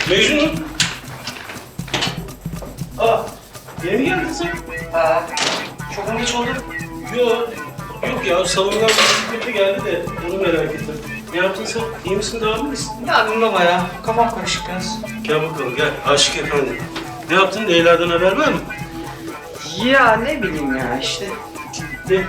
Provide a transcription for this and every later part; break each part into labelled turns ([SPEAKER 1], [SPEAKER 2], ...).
[SPEAKER 1] Mecnun. Yeni mi geldin sen?
[SPEAKER 2] Çok mu geç oldu?
[SPEAKER 1] Yok. Yok ya, salondan bir biri geldi de onu merak ettim. Ne yaptın sen? İyi misin, daha mı iyisin?
[SPEAKER 2] Ne yapayım baba ya? Kafam karışık biraz.
[SPEAKER 1] Gel bakalım, gel. Aşık efendi. Ne yaptın? Leyla'dan haber var mı?
[SPEAKER 2] Ya ne bileyim ya işte.
[SPEAKER 1] Ne?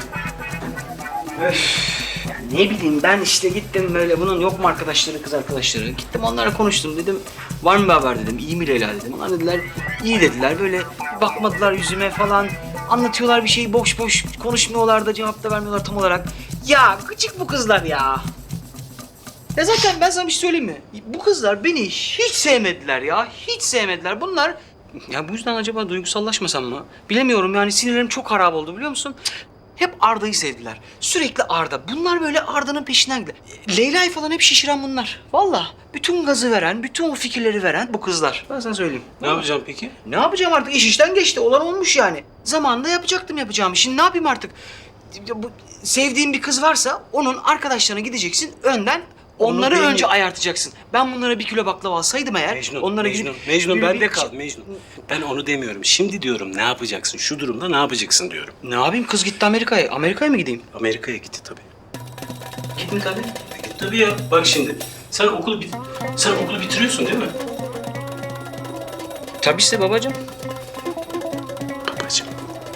[SPEAKER 2] Ne bileyim ben işte gittim böyle bunun yok mu arkadaşları, kız arkadaşları. Gittim onlarla konuştum dedim. Var mı bir haber dedim. İyi mi Leyla dedim. Onlar dediler iyi dediler. Böyle bakmadılar yüzüme falan. Anlatıyorlar bir şeyi boş boş konuşmuyorlar da cevap da vermiyorlar tam olarak. Ya gıcık bu kızlar ya. Ya zaten ben sana bir şey söyleyeyim mi? Bu kızlar beni hiç sevmediler ya. Hiç sevmediler. Bunlar... Ya bu yüzden acaba duygusallaşmasam mı? Bilemiyorum yani sinirlerim çok harap oldu biliyor musun? Hep Arda'yı sevdiler. Sürekli Arda. Bunlar böyle Arda'nın peşinden gidiyor. Leyla'yı falan hep şişiren bunlar. Vallahi bütün gazı veren, bütün o fikirleri veren bu kızlar. Ben sana söyleyeyim.
[SPEAKER 1] Ne yapacağım peki?
[SPEAKER 2] Ne yapacağım artık? İş işten geçti. Olan olmuş yani. Zamanında yapacaktım yapacağımı. Şimdi ne yapayım artık? Bu, sevdiğin bir kız varsa onun arkadaşlarına gideceksin önden. Onları
[SPEAKER 1] değil
[SPEAKER 2] önce
[SPEAKER 1] mi?
[SPEAKER 2] ayartacaksın. Ben bunlara 1 kilo baklava alsaydım eğer...
[SPEAKER 1] Mecnun,
[SPEAKER 2] onlara
[SPEAKER 1] Mecnun,
[SPEAKER 2] gidip...
[SPEAKER 1] Mecnun
[SPEAKER 2] bir-
[SPEAKER 1] bende
[SPEAKER 2] bir-
[SPEAKER 1] kal Mecnun. Ben onu demiyorum. Şimdi diyorum ne yapacaksın? Şu durumda ne yapacaksın diyorum.
[SPEAKER 2] Ne yapayım? Kız gitti Amerika'ya. Amerika'ya mı gideyim?
[SPEAKER 1] Amerika'ya gitti tabii.
[SPEAKER 2] Gidin tabii.
[SPEAKER 1] Tabii ya. Bak şimdi. Sen okulu bitiriyorsun değil mi?
[SPEAKER 2] Tabii işte babacığım.
[SPEAKER 1] Babacığım.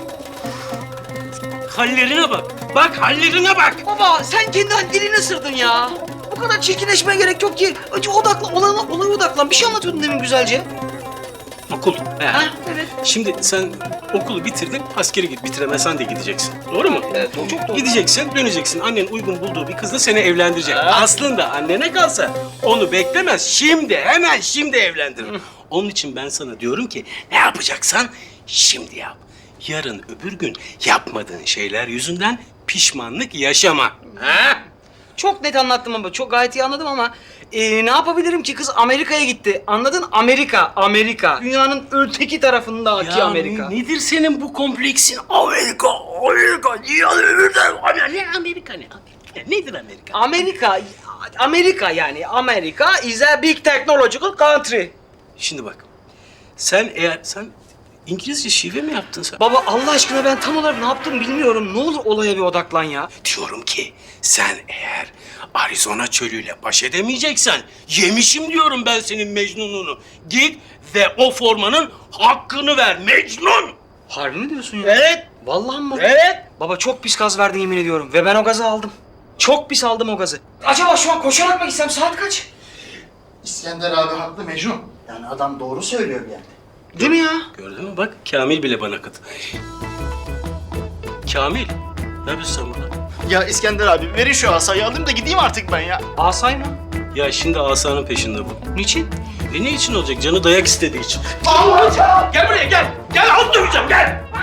[SPEAKER 1] Hallerine bak. Bak hallerine bak.
[SPEAKER 2] Baba sen kendi dilini ısırdın ya. Bu kadar çirkinleşmeye gerek yok ki. Acı odaklan, olaya odaklan. Bir şey anlatıyordun demin güzelce.
[SPEAKER 1] Okul.
[SPEAKER 2] Ha, evet.
[SPEAKER 1] Şimdi sen okulu bitirdin, askere git. Bitiremezsen de gideceksin. Doğru mu?
[SPEAKER 2] Evet, çok doğru.
[SPEAKER 1] Gideceksin, döneceksin. Annen uygun bulduğu bir kızla seni evlendirecek. Aslında annene kalsa onu beklemez. Şimdi, hemen şimdi evlendirir. Onun için ben sana diyorum ki ne yapacaksan şimdi yap. Yarın öbür gün yapmadığın şeyler yüzünden pişmanlık yaşama. Ha?
[SPEAKER 2] Çok net anlattım ama çok gayet iyi anladım ama ne yapabilirim ki kız Amerika'ya gitti. Anladın? Amerika. Dünyanın öteki tarafındaki Amerika.
[SPEAKER 1] Nedir senin bu kompleksin? Amerika. Dünyanın öbürden. Amerika ne? Nedir Amerika?
[SPEAKER 2] Amerika yani. Amerika is a big technological country.
[SPEAKER 1] Şimdi bak. Sen İngilizce şive mi yaptın sen?
[SPEAKER 2] Baba Allah aşkına ben tam olarak ne yaptım bilmiyorum. Ne olur olaya bir odaklan ya.
[SPEAKER 1] Diyorum ki sen eğer Arizona çölüyle baş edemeyeceksen yemişim diyorum ben senin Mecnun'unu. Git ve o formanın hakkını ver Mecnun.
[SPEAKER 2] Harbi mi diyorsun ya?
[SPEAKER 1] Evet.
[SPEAKER 2] Vallahi mı?
[SPEAKER 1] Evet.
[SPEAKER 2] Baba çok pis gaz verdin yemin ediyorum ve ben o gazı aldım. Çok pis aldım o gazı. Acaba şu an koşarak mı gitsem saat kaç?
[SPEAKER 3] İskender abi haklı Mecnun. Yani adam doğru söylüyor bir yerde.
[SPEAKER 2] Değil mi ya?
[SPEAKER 1] Gördün mü bak Kamil bile bana katıldı. Kamil. Ne yapıyorsun sen burada?
[SPEAKER 3] Ya İskender abi verin şu asayı alayım da gideyim artık ben ya.
[SPEAKER 2] Asay mı?
[SPEAKER 1] Ya şimdi asanın peşinde bu.
[SPEAKER 2] Niçin?
[SPEAKER 1] Ne için olacak? Canı dayak istediği için.
[SPEAKER 3] Allah!
[SPEAKER 1] Gel buraya gel. Gel al döveceğim gel.